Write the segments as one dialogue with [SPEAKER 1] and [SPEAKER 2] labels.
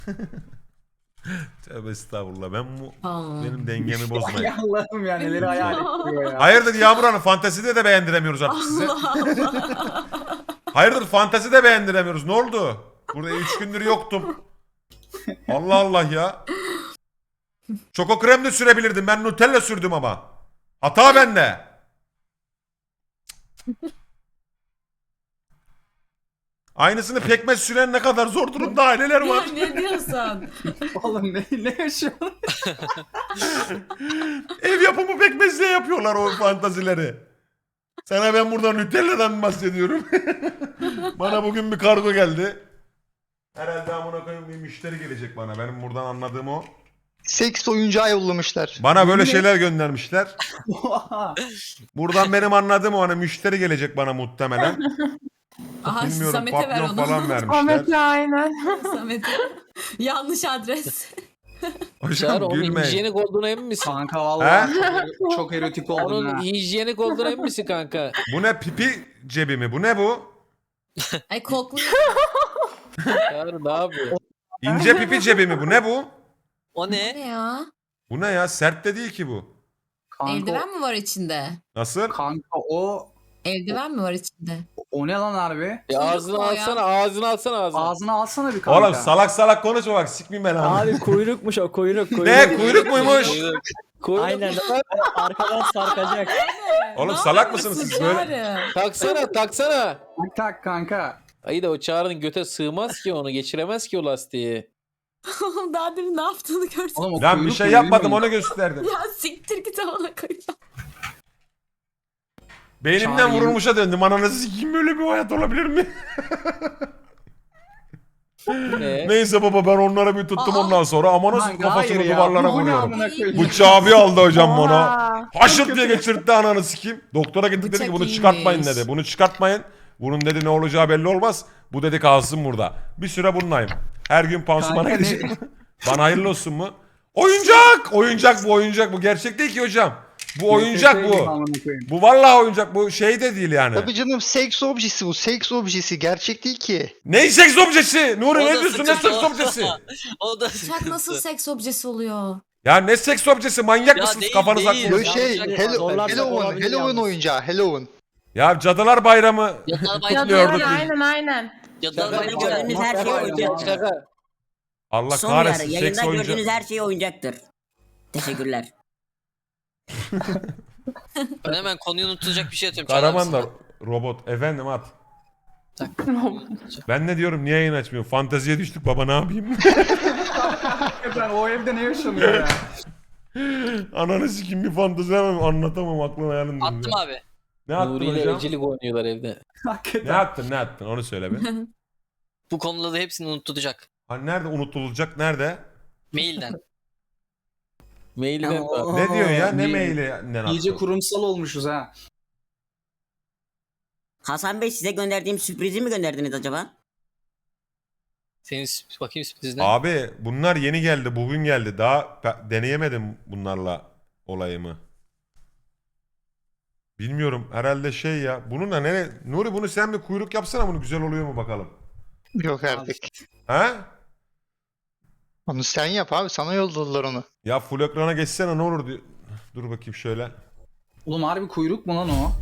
[SPEAKER 1] Tövbe estağfurullah.
[SPEAKER 2] Aa.
[SPEAKER 1] Benim dengemi
[SPEAKER 3] Ay
[SPEAKER 1] bozmayın.
[SPEAKER 3] Allah'ım ya neleri hayal ettiriyor ya.
[SPEAKER 1] Hayırdır Yağmur Hanım, fantezide de beğendiremiyoruz artık size.
[SPEAKER 2] Allah Allah.
[SPEAKER 1] Hayırdır fantezide beğendiremiyoruz. Ne oldu? Burada 3 gündür yoktum. Allah Allah ya. Çoko krem de sürebilirdim. Ben Nutella sürdüm ama. Hata bende. Aynısını pekmez süren ne kadar zor durumda aileler var.
[SPEAKER 2] Ya ne diyorsun?
[SPEAKER 3] Oğlum ne yaşıyorsun?
[SPEAKER 1] Ev yapımı pekmezle yapıyorlar o fantazileri. Sana ben burada Nutella'dan bahsediyorum. Bana bugün bir kargo geldi. Herhalde amına koyayım bir müşteri gelecek bana. Benim buradan anladığım o.
[SPEAKER 4] Seks oyuncağı yollamışlar.
[SPEAKER 1] Bana böyle şeyler göndermişler.
[SPEAKER 3] Oha.
[SPEAKER 1] Buradan benim anladığım o, hani müşteri gelecek bana muhtemelen.
[SPEAKER 2] Aha
[SPEAKER 1] Bilmiyorum,
[SPEAKER 2] Samet'e ver
[SPEAKER 1] papyon
[SPEAKER 2] onu.
[SPEAKER 1] falan vermişler.
[SPEAKER 5] Ahmet'le aynen.
[SPEAKER 2] Samet'e. Yanlış adres.
[SPEAKER 6] Çağrı
[SPEAKER 1] Hocam
[SPEAKER 6] onun
[SPEAKER 1] gülmeyin.
[SPEAKER 6] hijyenik olduğuna emin misin?
[SPEAKER 3] Kanka vallahi çok erotik oldun
[SPEAKER 6] Onun
[SPEAKER 3] ha.
[SPEAKER 6] hijyenik olduğuna emin misin kanka?
[SPEAKER 1] Bu ne, pipi cebi mi? Bu ne bu?
[SPEAKER 2] Ay kokluyor.
[SPEAKER 6] Çağrı ne yapıyor?
[SPEAKER 1] İnce pipi cebi mi? Bu ne bu?
[SPEAKER 7] O
[SPEAKER 2] Ne
[SPEAKER 7] ne?
[SPEAKER 2] ya?
[SPEAKER 1] Bu ne ya? Sert de değil ki bu.
[SPEAKER 3] Kanka,
[SPEAKER 2] Eldiven mi var içinde?
[SPEAKER 1] Nasıl?
[SPEAKER 3] kanka
[SPEAKER 2] Eldiven mi var içinde?
[SPEAKER 3] o ne lan harbi?
[SPEAKER 6] Ağzını
[SPEAKER 2] o ya.
[SPEAKER 6] alsana, ağzını alsana ağzını.
[SPEAKER 3] Ağzına alsana bir kanka.
[SPEAKER 1] Oğlum salak salak konuşma bak, sikmeyeyim ben abi.
[SPEAKER 8] Abi kuyrukmuş o kuyruk.
[SPEAKER 1] Ne kuyruk muymuş?
[SPEAKER 6] Kuyruk.
[SPEAKER 8] Aynen. Arkadan sarkacak.
[SPEAKER 1] Oğlum
[SPEAKER 2] Ne
[SPEAKER 1] salak mısınız
[SPEAKER 2] yapıyorsun
[SPEAKER 1] siz böyle?
[SPEAKER 2] Çağrı?
[SPEAKER 6] Taksana taksana.
[SPEAKER 3] Tak kanka.
[SPEAKER 6] Ayı da o Çağrı'nın göte sığmaz ki onu, geçiremez ki o lastiği.
[SPEAKER 2] Oğlum daha demin ne yaptığını görsün.
[SPEAKER 3] Oğlum, o
[SPEAKER 1] Lan bir
[SPEAKER 3] kuyruk
[SPEAKER 1] şey
[SPEAKER 3] mu,
[SPEAKER 1] yapmadım,
[SPEAKER 3] bilmiyorum.
[SPEAKER 1] onu gösterdim.
[SPEAKER 2] Ya siktir git amına koyayım.
[SPEAKER 1] Beynimden
[SPEAKER 3] Çağrı,
[SPEAKER 1] vurulmuşa döndüm. Ananızı sikeyim, böyle bir hayat olabilir mi?
[SPEAKER 6] Ne?
[SPEAKER 1] Neyse baba, ben onlara bir tuttum
[SPEAKER 2] Aa.
[SPEAKER 1] ondan sonra. Ama nasıl
[SPEAKER 3] Kanka,
[SPEAKER 1] kafasını
[SPEAKER 3] hayır ya,
[SPEAKER 1] duvarlara
[SPEAKER 3] bu ne
[SPEAKER 1] vuruyorum.
[SPEAKER 3] amına koyayım?
[SPEAKER 1] Bıçağı bir aldı hocam bana.
[SPEAKER 5] Oha.
[SPEAKER 1] Haşırt diye geçirtti ananı sikeyim. Doktora gittik, dedi
[SPEAKER 2] Bıçak
[SPEAKER 1] ki bunu
[SPEAKER 2] iyiymiş.
[SPEAKER 1] çıkartmayın dedi. Bunu çıkartmayın. Bunun dedi ne olacağı belli olmaz. Bu dedi kalsın burada. Bir süre bununlayım. Her gün pansumana
[SPEAKER 3] Kanka,
[SPEAKER 1] gideceğim. Bana hayırlı olsun mu? Oyuncak! Oyuncak bu, oyuncak bu. Gerçek değil ki hocam. Bu oyuncak
[SPEAKER 3] Nefret ediyorum
[SPEAKER 1] bu.
[SPEAKER 3] amına koyayım.
[SPEAKER 1] Bu vallahi oyuncak, bu şey de değil yani.
[SPEAKER 4] Tabii canım, seks objesi bu. Seks objesi. Gerçek değil ki.
[SPEAKER 1] Ne seks objesi? Nuri
[SPEAKER 7] O
[SPEAKER 1] ne
[SPEAKER 7] da
[SPEAKER 1] diyorsun, ne
[SPEAKER 7] sıkıntı
[SPEAKER 1] seks
[SPEAKER 7] o.
[SPEAKER 1] objesi?
[SPEAKER 7] O da
[SPEAKER 2] Bıçak
[SPEAKER 7] sıkıntı.
[SPEAKER 2] nasıl seks objesi oluyor?
[SPEAKER 1] Ya ne seks objesi, manyak
[SPEAKER 7] Ya
[SPEAKER 1] mısınız,
[SPEAKER 7] değil,
[SPEAKER 1] kafanız
[SPEAKER 7] değil.
[SPEAKER 1] aklınız?
[SPEAKER 4] Böyle şey,
[SPEAKER 7] Yanlış
[SPEAKER 4] Halloween,
[SPEAKER 8] olabilir
[SPEAKER 4] Halloween
[SPEAKER 8] yalnız.
[SPEAKER 4] oyuncağı. Halloween.
[SPEAKER 1] Ya Cadılar Bayramı
[SPEAKER 7] Yatar
[SPEAKER 1] Kutluyorduk
[SPEAKER 7] bayramı.
[SPEAKER 1] biz.
[SPEAKER 5] Aynen.
[SPEAKER 7] Yatar
[SPEAKER 6] Şaka
[SPEAKER 7] bayramı.
[SPEAKER 6] gördüğünüz
[SPEAKER 7] Yatar
[SPEAKER 6] her şey
[SPEAKER 7] bayramı.
[SPEAKER 6] oyuncak. Şaka.
[SPEAKER 1] Allah
[SPEAKER 9] Son
[SPEAKER 1] kahretsin,
[SPEAKER 9] uyarı.
[SPEAKER 1] seks
[SPEAKER 9] Yayında
[SPEAKER 1] oyuncağı.
[SPEAKER 9] gördüğünüz her şey oyuncaktır. Teşekkürler.
[SPEAKER 7] Ben hemen konuyu unutulacak bir şey atıyorum.
[SPEAKER 1] Kahraman da robot. Efendim at. Ben ne diyorum, niye yayın açmıyor? Fanteziye düştük baba, ne yapayım?
[SPEAKER 3] Ben o evde ne yaşanıyor ya?
[SPEAKER 1] Ananı sikeyim, bir fantezi hemen anlatamam, aklım hayalım.
[SPEAKER 7] Attım abi.
[SPEAKER 1] Ne attın
[SPEAKER 6] Nuri ile
[SPEAKER 1] hocam?
[SPEAKER 6] evcilik oynuyorlar evde.
[SPEAKER 1] Ne
[SPEAKER 3] Hakikaten.
[SPEAKER 1] attın, ne attın onu söyle be.
[SPEAKER 7] Bu konuda da hepsini unutulacak.
[SPEAKER 1] Ha, nerede unutulacak, nerede?
[SPEAKER 7] Mailden.
[SPEAKER 6] Mailden
[SPEAKER 9] Ya,
[SPEAKER 6] var.
[SPEAKER 1] Ne diyor ya, ne
[SPEAKER 3] İyi-
[SPEAKER 1] mailinden attın?
[SPEAKER 3] İyice kurumsal olmuşuz ha.
[SPEAKER 9] Hasan Bey, size gönderdiğim sürprizi mi gönderdiniz acaba?
[SPEAKER 7] Senin bakayım sürpriz ne?
[SPEAKER 1] Abi bunlar yeni geldi, bugün geldi. Daha deneyemedim bunlarla olayımı. Bilmiyorum, herhalde şey ya. Bununla ne? Nuri, bunu sen bir kuyruk yapsana, bunu güzel oluyor mu bakalım.
[SPEAKER 4] Yok artık.
[SPEAKER 1] Ha?
[SPEAKER 4] Onu sen yap abi. Sana yolladılar onu.
[SPEAKER 1] Ya full ekrana geçsene ne olur diyor. Dur bakayım şöyle.
[SPEAKER 3] Oğlum harbi kuyruk mu lan o?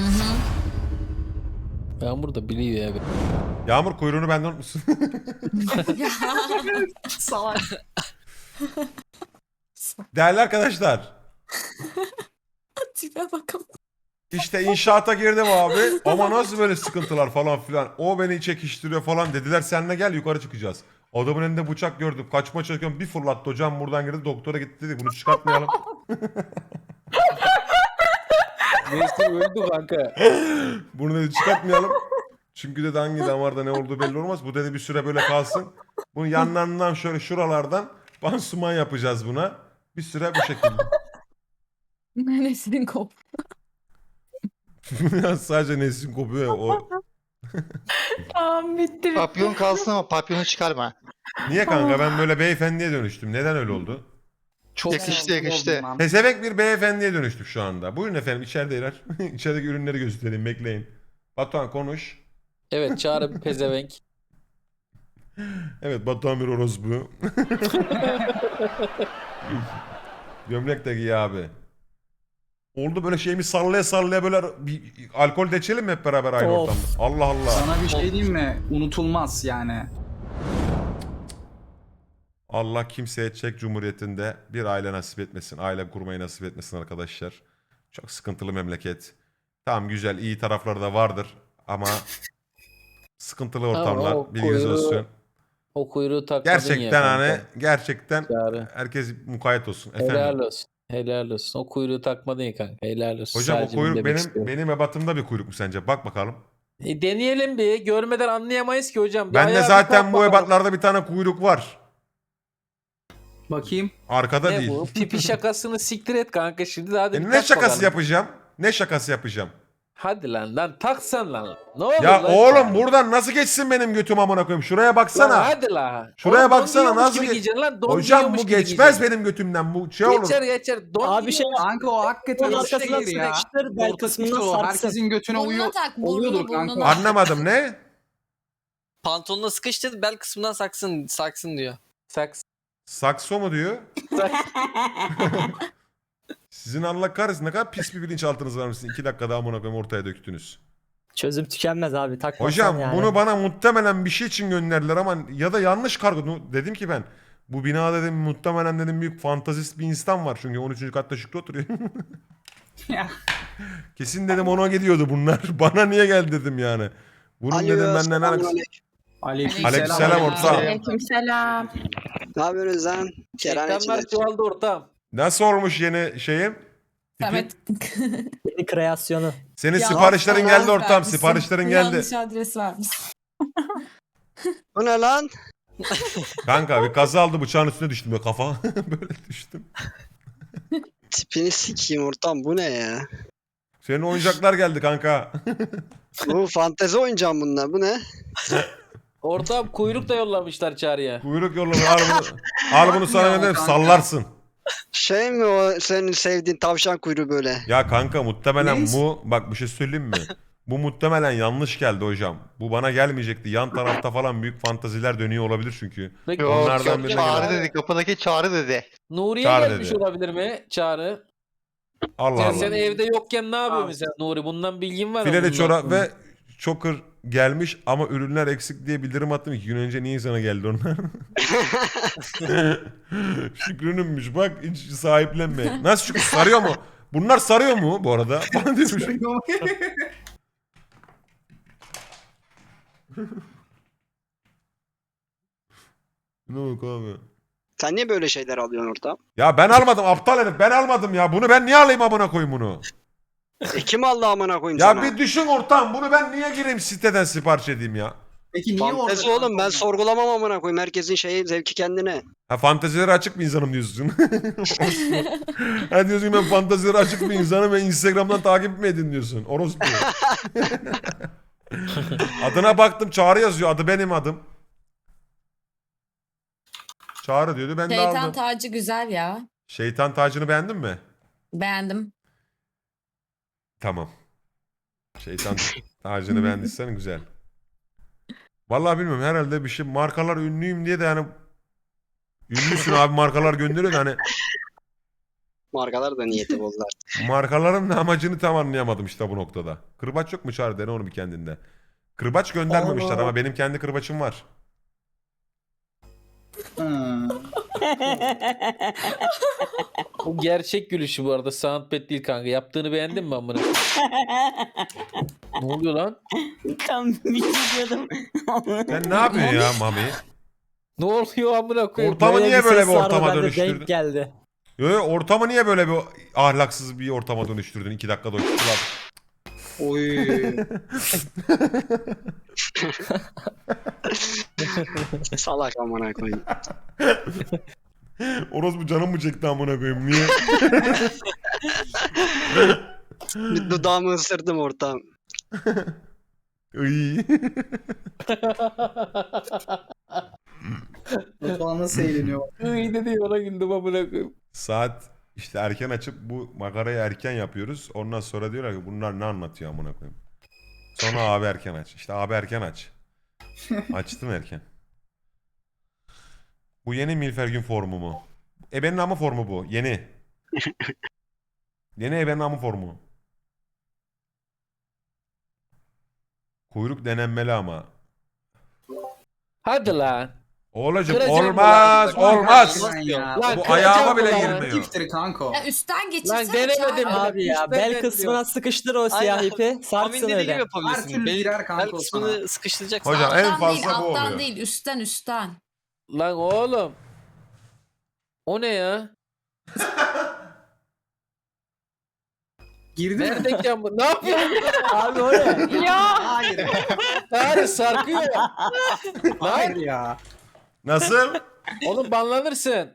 [SPEAKER 6] Yağmur da biliyor ya.
[SPEAKER 1] Yağmur, kuyruğunu benden unutmuşsun.
[SPEAKER 3] Salak.
[SPEAKER 1] Değerli arkadaşlar.
[SPEAKER 2] Tipe bakalım.
[SPEAKER 1] İşte inşaata girdim abi. Ama nasıl böyle sıkıntılar falan filan. O beni çekiştiriyor falan. Dediler seninle gel, yukarı çıkacağız. Adamın elinde bıçak gördüm. Kaçma çalışıyorum. Bir fırlattı hocam, buradan girdi. Doktora gitti, dedi bunu çıkartmayalım.
[SPEAKER 6] Neyse öldü kanka.
[SPEAKER 1] Bunu dedi çıkartmayalım. Çünkü dedi hangi damarda ne olduğu belli olmaz. Bu dedi bir süre böyle kalsın. Bunun yanlarından şöyle şuralardan pansuman yapacağız buna. Bir süre bu şekilde.
[SPEAKER 2] Nenesinin kop.
[SPEAKER 1] Sadece Nesin kopuyor ya, o.
[SPEAKER 5] Tamam bitti.
[SPEAKER 4] Papyon kalsın ama papyonu çıkarma.
[SPEAKER 1] Niye kanka, ben böyle beyefendiye dönüştüm. Neden öyle oldu?
[SPEAKER 3] Çok
[SPEAKER 4] Yakıştı,
[SPEAKER 3] sinirli
[SPEAKER 4] yakıştı.
[SPEAKER 3] oldum lan.
[SPEAKER 1] Pezevenk bir beyefendiye dönüştük şu anda. Buyurun efendim, içerideler. İçerideki ürünleri göstereyim, bekleyin. Batuhan konuş.
[SPEAKER 6] Evet Çağrı bir pezevenk.
[SPEAKER 1] Evet, Batuhan bir orospu. Gömlek de giy abi. Oldu böyle şeyimi sallaya sallaya böyle bir alkol de içelim mi hep beraber aynı
[SPEAKER 8] Of.
[SPEAKER 1] ortamda? Allah Allah.
[SPEAKER 3] Sana bir şey diyeyim mi? Unutulmaz yani.
[SPEAKER 1] Allah kimseye Çek Cumhuriyeti'nde bir aile nasip etmesin. Aile kurmayı nasip etmesin arkadaşlar. Çok sıkıntılı memleket. Tamam, güzel, iyi tarafları da vardır ama sıkıntılı ortamlar,
[SPEAKER 6] o
[SPEAKER 1] bilginiz
[SPEAKER 6] kuyruğu
[SPEAKER 1] olsun.
[SPEAKER 6] O kuyruğu takmadın ya
[SPEAKER 1] Gerçekten
[SPEAKER 6] kanka.
[SPEAKER 1] hani gerçekten
[SPEAKER 6] Çağrı.
[SPEAKER 1] herkes mukayyet olsun.
[SPEAKER 6] Helal
[SPEAKER 1] Efendim.
[SPEAKER 6] olsun. Helal olsun. O kuyruğu takmadın ya kanka. Helal olsun.
[SPEAKER 1] Hocam o
[SPEAKER 6] Sadece bunu
[SPEAKER 1] kuyruk
[SPEAKER 6] demek
[SPEAKER 1] benim
[SPEAKER 6] istiyorum.
[SPEAKER 1] ebatımda bir kuyruk mu sence? Bak bakalım.
[SPEAKER 6] Deneyelim bir. Görmeden anlayamayız ki hocam. Bir
[SPEAKER 1] Bende
[SPEAKER 6] ayağa bir
[SPEAKER 1] zaten
[SPEAKER 6] kalk
[SPEAKER 1] bu
[SPEAKER 6] bakalım.
[SPEAKER 1] ebatlarda bir tane kuyruk var.
[SPEAKER 3] Bakayım.
[SPEAKER 1] Arkada
[SPEAKER 6] Ne
[SPEAKER 1] değil.
[SPEAKER 6] bu? Pipi şakasını siktir et kanka şimdi. Daha da bir
[SPEAKER 1] Ne
[SPEAKER 6] tak
[SPEAKER 1] şakası
[SPEAKER 6] bakalım.
[SPEAKER 1] yapacağım? Ne şakası yapacağım?
[SPEAKER 6] Hadi lan taksan lan. Ne olur
[SPEAKER 1] Ya
[SPEAKER 6] lan
[SPEAKER 1] oğlum
[SPEAKER 6] Çağrı?
[SPEAKER 1] buradan nasıl geçsin benim götüm amına koyayım? Şuraya
[SPEAKER 6] Lan
[SPEAKER 1] baksana.
[SPEAKER 6] hadi la.
[SPEAKER 1] Şuraya
[SPEAKER 6] Oğlum, don
[SPEAKER 1] baksana,
[SPEAKER 6] giyiyormuş
[SPEAKER 1] nasıl
[SPEAKER 6] gibi
[SPEAKER 1] geç-
[SPEAKER 6] giyeceksin lan. Don
[SPEAKER 1] Hocam
[SPEAKER 6] giyiyormuş
[SPEAKER 1] bu
[SPEAKER 6] gibi
[SPEAKER 1] geçmez
[SPEAKER 6] giyeceksin.
[SPEAKER 1] benim götümden. Bu şey olur.
[SPEAKER 6] Geçer. Don
[SPEAKER 8] Abi şey
[SPEAKER 6] giyiyormuş.
[SPEAKER 3] Kanka o hakikaten
[SPEAKER 8] Onun
[SPEAKER 3] o
[SPEAKER 8] arkasından
[SPEAKER 3] şeydir ya.
[SPEAKER 8] sıkıştır, bel
[SPEAKER 3] Orta
[SPEAKER 8] kısmından
[SPEAKER 3] pis o.
[SPEAKER 8] sarsın.
[SPEAKER 3] Herkesin götüne
[SPEAKER 2] Burnuna tak,
[SPEAKER 3] oluyordur
[SPEAKER 2] burnuna.
[SPEAKER 3] kanka.
[SPEAKER 1] Anlamadım ne?
[SPEAKER 7] Pantolonuna sıkıştır bel kısmından saksın diyor.
[SPEAKER 6] Saks.
[SPEAKER 1] Sakso mu diyor?
[SPEAKER 6] Saks.
[SPEAKER 1] Sizin Allah kahretsin ne kadar pis bir bilinçaltınız varmış. 2 dakikada amına koyayım ortaya döktünüz.
[SPEAKER 8] çözüm tükenmez abi, takmasan
[SPEAKER 1] Hocam
[SPEAKER 8] yani.
[SPEAKER 1] bunu bana muhtemelen bir şey için gönderdiler ama ya da yanlış kargo. Dedim ki ben bu bina dedim muhtemelen dedim büyük fantazist bir insan var. Çünkü 13. katta Şükrü oturuyor.
[SPEAKER 3] Ya.
[SPEAKER 1] Kesin dedim ona gidiyordu bunlar. Bana niye geldi dedim yani. Bunun dedim benden alakası. Aleykümselam ortağım.
[SPEAKER 5] Aleykümselam.
[SPEAKER 10] Ne yapıyorsunuz lan?
[SPEAKER 6] Şeytanlar çoğaldı ortam.
[SPEAKER 1] Nasıl olmuş yeni şeyim?
[SPEAKER 2] Samet.
[SPEAKER 8] Yeni kreasyonu.
[SPEAKER 1] Senin
[SPEAKER 2] Ya,
[SPEAKER 1] siparişlerin
[SPEAKER 2] yanlış
[SPEAKER 1] geldi ortam.
[SPEAKER 2] vermişsin.
[SPEAKER 1] Siparişlerin geldi.
[SPEAKER 2] Yanlış adres vermiş.
[SPEAKER 10] Bu ne lan?
[SPEAKER 1] Kanka bir kaza aldı bıçağın üstüne düştüm ya kafa. Böyle düştüm.
[SPEAKER 10] Tipini sikeyim ortam, bu ne ya?
[SPEAKER 1] Senin oyuncaklar geldi kanka.
[SPEAKER 10] Bu fantezi oyuncağım bunlar, bu ne?
[SPEAKER 6] Ortam kuyruk da yollamışlar Çağrı'ya.
[SPEAKER 1] Kuyruk yolladı. Al bunu sana
[SPEAKER 3] Yapmıyor
[SPEAKER 1] gönderim
[SPEAKER 3] kanka.
[SPEAKER 1] sallarsın.
[SPEAKER 10] Şey mi o senin sevdiğin tavşan kuyruğu böyle?
[SPEAKER 1] Ya kanka muhtemelen
[SPEAKER 3] Neyse.
[SPEAKER 1] bu bak bir şey söyleyeyim mi? Bu muhtemelen yanlış geldi hocam. Bu bana gelmeyecekti. Yan tarafta falan büyük fantaziler dönüyor olabilir çünkü.
[SPEAKER 6] Peki,
[SPEAKER 4] Yok
[SPEAKER 1] Onlardan
[SPEAKER 4] yok
[SPEAKER 1] birine
[SPEAKER 4] Çağrı
[SPEAKER 1] geldi.
[SPEAKER 4] dedi. Kapıdaki Çağrı dedi.
[SPEAKER 6] Nuriye
[SPEAKER 1] Çağrı
[SPEAKER 6] gelmiş
[SPEAKER 1] dedi.
[SPEAKER 6] olabilir mi Çağrı?
[SPEAKER 1] Allah
[SPEAKER 6] Sen
[SPEAKER 1] Allah.
[SPEAKER 6] evde yokken ne yapıyorsun
[SPEAKER 3] Abi.
[SPEAKER 6] sen Nuri? Bundan bilgin var mı?
[SPEAKER 1] Fileli
[SPEAKER 6] bundan?
[SPEAKER 1] çorap ve choker gelmiş ama ürünler eksik diye bildirim attım. 2 gün önce niye sana geldi onlar? Şükrü'nünmüş bak hiç sahiplenme. Nasıl Şükrü sarıyor mu? Bunlar sarıyor mu bu arada? Bana demiş. Ne oldu abi?
[SPEAKER 10] Sen niye böyle şeyler alıyorsun ortam?
[SPEAKER 1] Ya ben almadım aptal herif ben almadım ya. Bunu ben niye alayım amına koyayım bunu?
[SPEAKER 10] Kim aldı amına koyayım
[SPEAKER 1] Ya
[SPEAKER 10] sana?
[SPEAKER 1] bir düşün ortam bunu ben niye gireyim siteden sipariş edeyim ya?
[SPEAKER 3] Peki niye orada?
[SPEAKER 10] Fantezi oğlum, ben sorgulamam amına koyayım. Herkesin şeyi, zevki kendine.
[SPEAKER 1] Ha fantezileri açık bir insanım diyorsun. Ha diyorsun ben fantezileri açık bir insanım ve Instagram'dan takip mi edin diyorsun. Orospu. Adına baktım Çağrı yazıyor. Adı benim adım. Çağrı diyordu ben de
[SPEAKER 2] Şeytan
[SPEAKER 1] aldım.
[SPEAKER 2] tacı güzel ya.
[SPEAKER 1] Şeytan tacını beğendin mi?
[SPEAKER 2] Beğendim.
[SPEAKER 1] Tamam. Şeytan tacını beğendiysen güzel. Vallahi bilmiyorum herhalde bir şey markalar ünlüyüm diye de yani ünlüsün abi markalar gönderiyor da hani
[SPEAKER 10] Markalar da niyeti bozdular.
[SPEAKER 1] markaların da amacını tam anlayamadım işte bu noktada. Kırbaç yok mu Çağrı dene onu bir kendinde. Kırbaç göndermemişler ama benim kendi kırbaçım var.
[SPEAKER 3] Hmm.
[SPEAKER 6] Bu gerçek gülüşü bu arada. Soundpad değil kanka. Yaptığını beğendin mi amına? Ne oluyor lan?
[SPEAKER 9] Tam bir şey diyordum.
[SPEAKER 1] Sen ne yapıyorsun ya Mami?
[SPEAKER 6] Ne oluyor amına koyayım?
[SPEAKER 1] Ortamı
[SPEAKER 8] Böyle
[SPEAKER 1] niye böyle
[SPEAKER 8] ses
[SPEAKER 1] bir
[SPEAKER 8] vardı,
[SPEAKER 1] ortama
[SPEAKER 8] bende
[SPEAKER 1] dönüştürdün?
[SPEAKER 8] denk geldi.
[SPEAKER 1] Yo, yo, ortamı niye böyle bir ahlaksız bir ortama dönüştürdün 2 dakikada uçtular.
[SPEAKER 10] Oy. Salak amına koyayım.
[SPEAKER 1] Orospu canım mı çekti amına koyayım niye?
[SPEAKER 10] Bir dudağımı ısırdım ortam.
[SPEAKER 1] Iy.
[SPEAKER 3] Batuhan nasıl eğleniyor?
[SPEAKER 6] İyi dedi ona güldüm amına koyayım.
[SPEAKER 1] Saat işte erken açıp bu makarayı erken yapıyoruz. Ondan sonra diyorlar ki bunlar ne anlatıyor amına koyayım. Sonra abi erken aç. İşte abi erken aç. Açtım erken. Bu yeni Milfergin formu mu? Ebenin amı formu bu. Yeni. Yeni ebenin amı formu. Kuyruk denenmeli ama.
[SPEAKER 6] Hadi lan.
[SPEAKER 1] Oğlacım
[SPEAKER 6] Kıracağım
[SPEAKER 1] olmaz
[SPEAKER 3] ulan.
[SPEAKER 1] olmaz.
[SPEAKER 3] Lan ya.
[SPEAKER 6] Lan
[SPEAKER 1] Bu
[SPEAKER 6] kıracağım
[SPEAKER 1] ayağıma bile
[SPEAKER 6] ulan.
[SPEAKER 1] girmiyor.
[SPEAKER 3] Giftiri kanka o.
[SPEAKER 2] Ya üstten geçirsene.
[SPEAKER 6] Lan denemedim.
[SPEAKER 2] Çağrı.
[SPEAKER 8] Abi ya
[SPEAKER 6] Üstten
[SPEAKER 8] bel
[SPEAKER 6] bekliyor.
[SPEAKER 8] kısmına sıkıştır o siyah
[SPEAKER 7] Aynen.
[SPEAKER 8] ipi.
[SPEAKER 7] Amin
[SPEAKER 8] Sarsın
[SPEAKER 7] dediği gibi
[SPEAKER 8] öyle.
[SPEAKER 3] Her
[SPEAKER 7] yapabilirsin.
[SPEAKER 3] türlü
[SPEAKER 7] Bel,
[SPEAKER 3] girer kanka
[SPEAKER 7] bel
[SPEAKER 3] o
[SPEAKER 7] kısmını sıkıştıracaksın.
[SPEAKER 1] Hocam en
[SPEAKER 2] Alttan
[SPEAKER 1] fazla
[SPEAKER 2] değil,
[SPEAKER 1] bu
[SPEAKER 2] alttan
[SPEAKER 1] oluyor.
[SPEAKER 2] değil, üstten.
[SPEAKER 6] Lan oğlum. O ne ya?
[SPEAKER 3] Girdi mi?
[SPEAKER 6] Neredeyken bu? Ne yapıyorsun?
[SPEAKER 8] Abi o ne?
[SPEAKER 5] Ya
[SPEAKER 3] Hayır.
[SPEAKER 6] Hayır sarkıyor.
[SPEAKER 3] Hayır
[SPEAKER 6] Lan
[SPEAKER 3] ya.
[SPEAKER 1] Nasıl?
[SPEAKER 6] oğlum banlanırsın.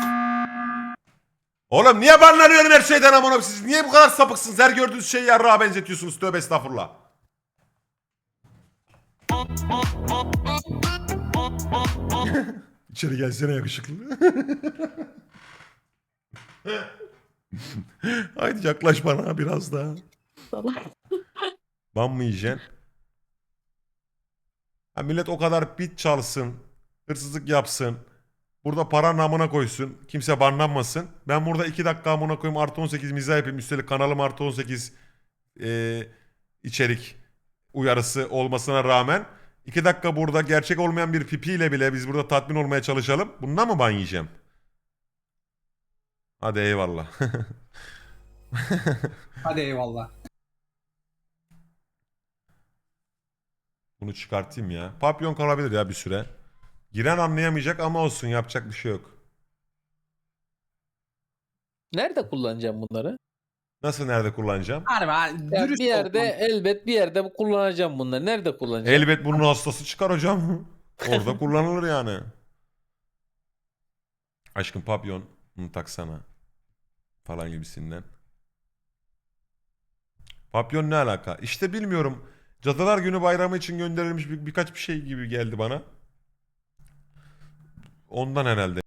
[SPEAKER 1] Oğlum niye banlanıyorum her şeyden amına koyayım? Siz niye bu kadar sapıksınız? Her gördüğünüz şeyi yarrağa benzetiyorsunuz. Tövbe estağfurullah. İçeri gelsene yakışıklı. Haydi yaklaş bana biraz daha. Ban mı yiyeceksin? Ha, millet o kadar bit çalsın, hırsızlık yapsın, burada para namına koysun, kimse banlanmasın. Ben burada 2 dakika amına koyayım artı 18 mizah yapayım. Üstelik kanalım artı 18 içerik uyarısı olmasına rağmen 2 dakika burada gerçek olmayan bir pipiyle bile biz burada tatmin olmaya çalışalım. Bundan mı ban yiyeceğim? Hadi eyvallah.
[SPEAKER 3] Hadi eyvallah.
[SPEAKER 1] Bunu çıkartayım ya. Papyon kalabilir ya bir süre. Giren anlayamayacak ama olsun, yapacak bir şey yok.
[SPEAKER 6] Nerede kullanacağım bunları?
[SPEAKER 1] Nasıl, nerede kullanacağım?
[SPEAKER 3] Harbi
[SPEAKER 6] Ya
[SPEAKER 3] dürüst
[SPEAKER 6] bir yerde
[SPEAKER 3] ol.
[SPEAKER 6] elbet bir yerde kullanacağım bunları. Nerede kullanacağım?
[SPEAKER 1] Elbet bunun hastası çıkar hocam. Orada kullanılır yani. Aşkım papyon bunu taksana. Falan gibisinden. Papyon ne alaka? İşte bilmiyorum. Cadılar Günü bayramı için gönderilmiş birkaç bir şey gibi geldi bana. Ondan herhalde.